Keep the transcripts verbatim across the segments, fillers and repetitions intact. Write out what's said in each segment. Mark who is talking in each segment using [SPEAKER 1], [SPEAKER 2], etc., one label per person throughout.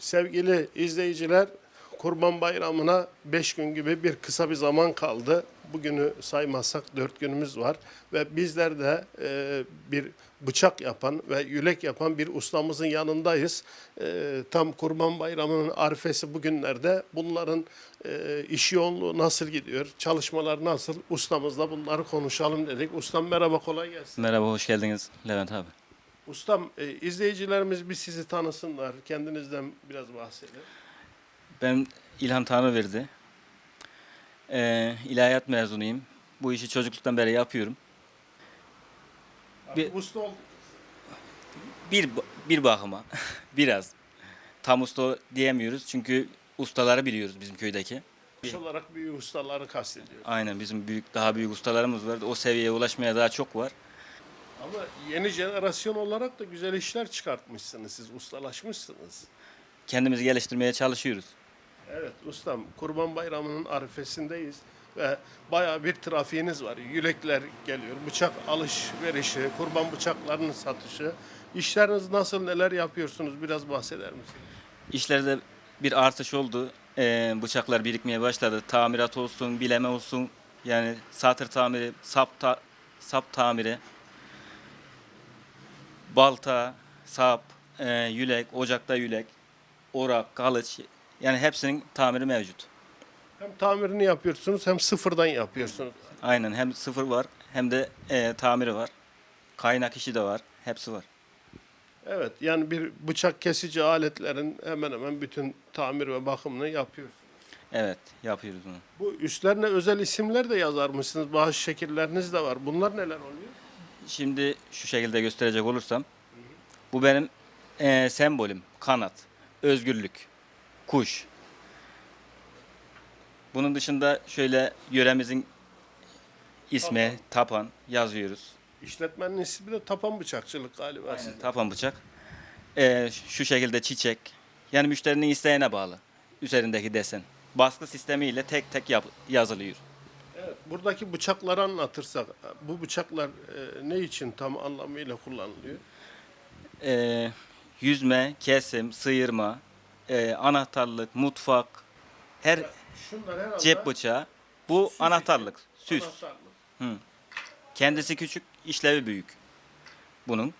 [SPEAKER 1] Sevgili izleyiciler, Kurban Bayramı'na beş gün gibi bir kısa bir zaman kaldı. Bugünü saymazsak dört günümüz var ve bizler de e, bir bıçak yapan ve yülek yapan bir ustamızın yanındayız. E, tam Kurban Bayramı'nın arifesi bugünlerde. Bunların e, iş yoğunluğu nasıl gidiyor, çalışmalar nasıl? Ustamızla bunları konuşalım dedik. Ustam merhaba, kolay gelsin.
[SPEAKER 2] Merhaba, hoş geldiniz Levent abi.
[SPEAKER 1] Ustam, e, izleyicilerimiz bir sizi tanısınlar, kendinizden biraz bahsedin.
[SPEAKER 2] Ben İlhan Tanrıverdi. Ee, ilahiyat mezunuyum. Bu işi çocukluktan beri yapıyorum. Bir,
[SPEAKER 1] Usta olduk.
[SPEAKER 2] bir, bir bakıma, biraz. Tam usta diyemiyoruz çünkü ustaları biliyoruz bizim köydeki.
[SPEAKER 1] İş olarak büyük ustaları kastediyoruz.
[SPEAKER 2] Aynen, bizim büyük daha büyük ustalarımız var. O seviyeye ulaşmaya daha çok var.
[SPEAKER 1] Ama yeni jenerasyon olarak da güzel işler çıkartmışsınız. Siz ustalaşmışsınız.
[SPEAKER 2] Kendimizi geliştirmeye çalışıyoruz.
[SPEAKER 1] Evet ustam, Kurban Bayramı'nın arifesindeyiz ve bayağı bir trafiğiniz var. Yülekler geliyor, bıçak alışverişi, kurban bıçaklarının satışı. İşleriniz nasıl, neler yapıyorsunuz? Biraz bahseder misiniz?
[SPEAKER 2] İşlerde bir artış oldu. Ee, bıçaklar birikmeye başladı. Tamirat olsun, bileme olsun. Yani satır tamiri, sap, ta, sap tamiri. Balta, sap, e, yülek, ocakta yülek, orak, kalıç, yani hepsinin tamiri mevcut.
[SPEAKER 1] Hem tamirini yapıyorsunuz hem sıfırdan yapıyorsunuz.
[SPEAKER 2] Aynen, hem sıfır var hem de e, tamiri var. Kaynak işi de var, hepsi var.
[SPEAKER 1] Evet, yani bir bıçak kesici aletlerin hemen hemen bütün tamir ve bakımını yapıyorsunuz.
[SPEAKER 2] Evet, yapıyoruz bunu.
[SPEAKER 1] Bu üstlerine özel isimler de yazarmışsınız. Bazı şekilleriniz de var. Bunlar neler oluyor?
[SPEAKER 2] Şimdi şu şekilde gösterecek olursam, bu benim e, sembolüm, kanat, özgürlük, kuş. Bunun dışında şöyle yöremizin ismi, tapan yazıyoruz.
[SPEAKER 1] İşletmenin ismi de tapan bıçakçılık galiba.
[SPEAKER 2] Aynen,
[SPEAKER 1] sizin.
[SPEAKER 2] tapan bıçak. Ee, şu şekilde çiçek. Yani müşterinin isteğine bağlı. Üzerindeki desen. Baskı sistemiyle tek tek yap- yazılıyor.
[SPEAKER 1] Evet, buradaki bıçakları anlatırsak, bu bıçaklar e, ne için tam anlamıyla kullanılıyor?
[SPEAKER 2] Ee, yüzme, kesim, sıyırma, e, anahtarlık, mutfak, her
[SPEAKER 1] Şunlar herhalde
[SPEAKER 2] cep bıçağı. Bu
[SPEAKER 1] süs
[SPEAKER 2] anahtarlık,
[SPEAKER 1] için,
[SPEAKER 2] süs.
[SPEAKER 1] anahtarlık.
[SPEAKER 2] Hı. Kendisi küçük, işlevi büyük. Bunun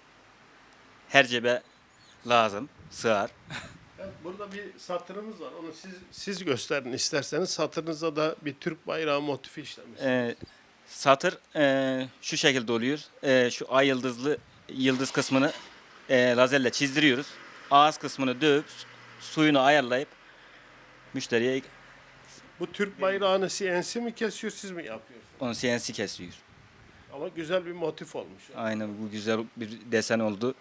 [SPEAKER 2] her cebe lazım, sığar.
[SPEAKER 1] Evet, burada bir satırımız var. Onu siz siz gösterin isterseniz. Satırınızda da bir Türk bayrağı motifi işlemişsiniz.
[SPEAKER 2] Ee, satır e, şu şekilde oluyor. E, şu ay yıldızlı yıldız kısmını e, lazerle çizdiriyoruz. Ağız kısmını dövüp su- suyunu ayarlayıp müşteriye
[SPEAKER 1] Bu Türk bayrağını C N C mi kesiyor, siz mi yapıyorsunuz?
[SPEAKER 2] onu C N C kesiyor.
[SPEAKER 1] Ama güzel bir motif olmuş. Yani.
[SPEAKER 2] Aynen, bu güzel bir desen oldu.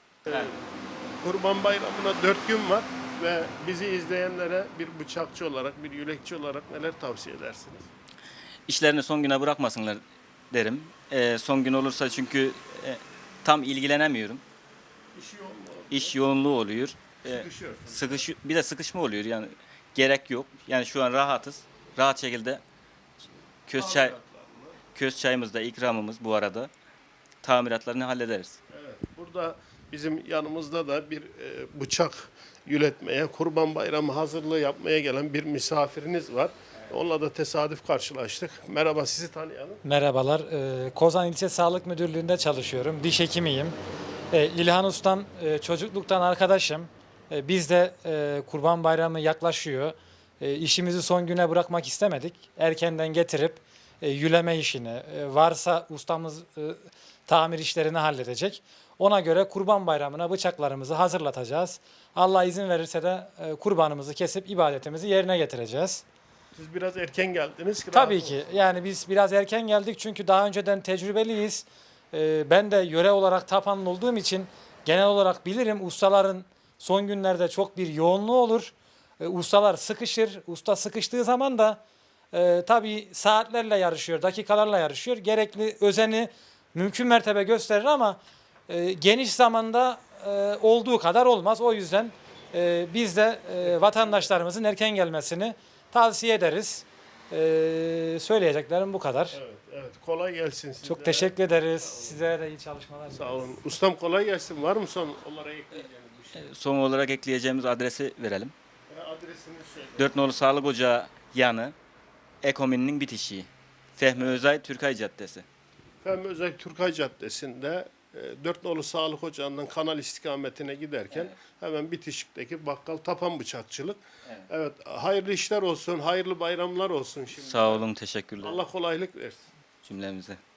[SPEAKER 1] Kurban Bayramı'na dört gün var ve bizi izleyenlere bir bıçakçı olarak, bir yülekçi olarak neler tavsiye edersiniz?
[SPEAKER 2] İşlerini son güne bırakmasınlar derim. E, son gün olursa çünkü e, tam ilgilenemiyorum.
[SPEAKER 1] İşi yoğun mu?
[SPEAKER 2] İş yoğunluğu oluyor. E,
[SPEAKER 1] Sıkışıyorsunuz.
[SPEAKER 2] sıkış, bir de sıkışma oluyor yani. Gerek yok. Yani şu an rahatız. Rahat şekilde köz çay köz çayımız da ikramımız bu arada. Tamiratlarını hallederiz.
[SPEAKER 1] Evet, burada bizim yanımızda da bir e, bıçak yületmeye, Kurban Bayramı hazırlığı yapmaya gelen bir misafiriniz var. Onunla da tesadüf karşılaştık. Merhaba, sizi tanıyalım.
[SPEAKER 3] Merhabalar. Ee, Kozan İlçe Sağlık Müdürlüğü'nde çalışıyorum. Diş hekimiyim. Ee, İlhan Ustam e, çocukluktan arkadaşım. E, Biz de e, Kurban Bayramı yaklaşıyor. E, İşimizi son güne bırakmak istemedik. Erkenden getirip e, yüleme işini, e, varsa ustamız e, tamir işlerini halledecek. Ona göre Kurban Bayramı'na bıçaklarımızı hazırlatacağız. Allah izin verirse de e, kurbanımızı kesip ibadetimizi yerine getireceğiz.
[SPEAKER 1] Siz biraz erken geldiniz. ki
[SPEAKER 3] Tabii
[SPEAKER 1] rahat
[SPEAKER 3] ki. Yani biz biraz erken geldik çünkü daha önceden tecrübeliyiz. Ee, ben de yöre olarak Tapanlı olduğum için genel olarak bilirim. Ustaların son günlerde çok bir yoğunluğu olur. Ee, ustalar sıkışır. Usta sıkıştığı zaman da e, tabii saatlerle yarışıyor, dakikalarla yarışıyor. Gerekli özeni mümkün mertebe gösterir ama e, geniş zamanda e, olduğu kadar olmaz. O yüzden e, biz de e, vatandaşlarımızın erken gelmesini tavsiye ederiz. Ee, söyleyeceklerim bu kadar.
[SPEAKER 1] Evet, evet. Kolay gelsin size.
[SPEAKER 3] Çok teşekkür ederiz. Size de iyi çalışmalar.
[SPEAKER 1] Sağ olun. Ustam kolay gelsin. Var mı son olarak ekleyeceğiniz bir şey?
[SPEAKER 2] Son olarak ekleyeceğimiz adresi verelim.
[SPEAKER 1] Adresini söyle.
[SPEAKER 2] Dört Nolu Sağlık Ocağı yanı, Ekomin'in bitişiği. Fehmi Özay Türkay Caddesi.
[SPEAKER 1] Hem özellikle Türkay Caddesi'nde e, Dört Nolu Sağlık Ocağı'ndan kanal istikametine giderken hemen bitişikteki bakkal Tapan Bıçakçılık.
[SPEAKER 2] Evet.
[SPEAKER 1] Evet, hayırlı işler olsun, hayırlı bayramlar olsun şimdi.
[SPEAKER 2] Sağ olun, teşekkürler
[SPEAKER 1] Allah kolaylık versin.
[SPEAKER 2] cümlemize.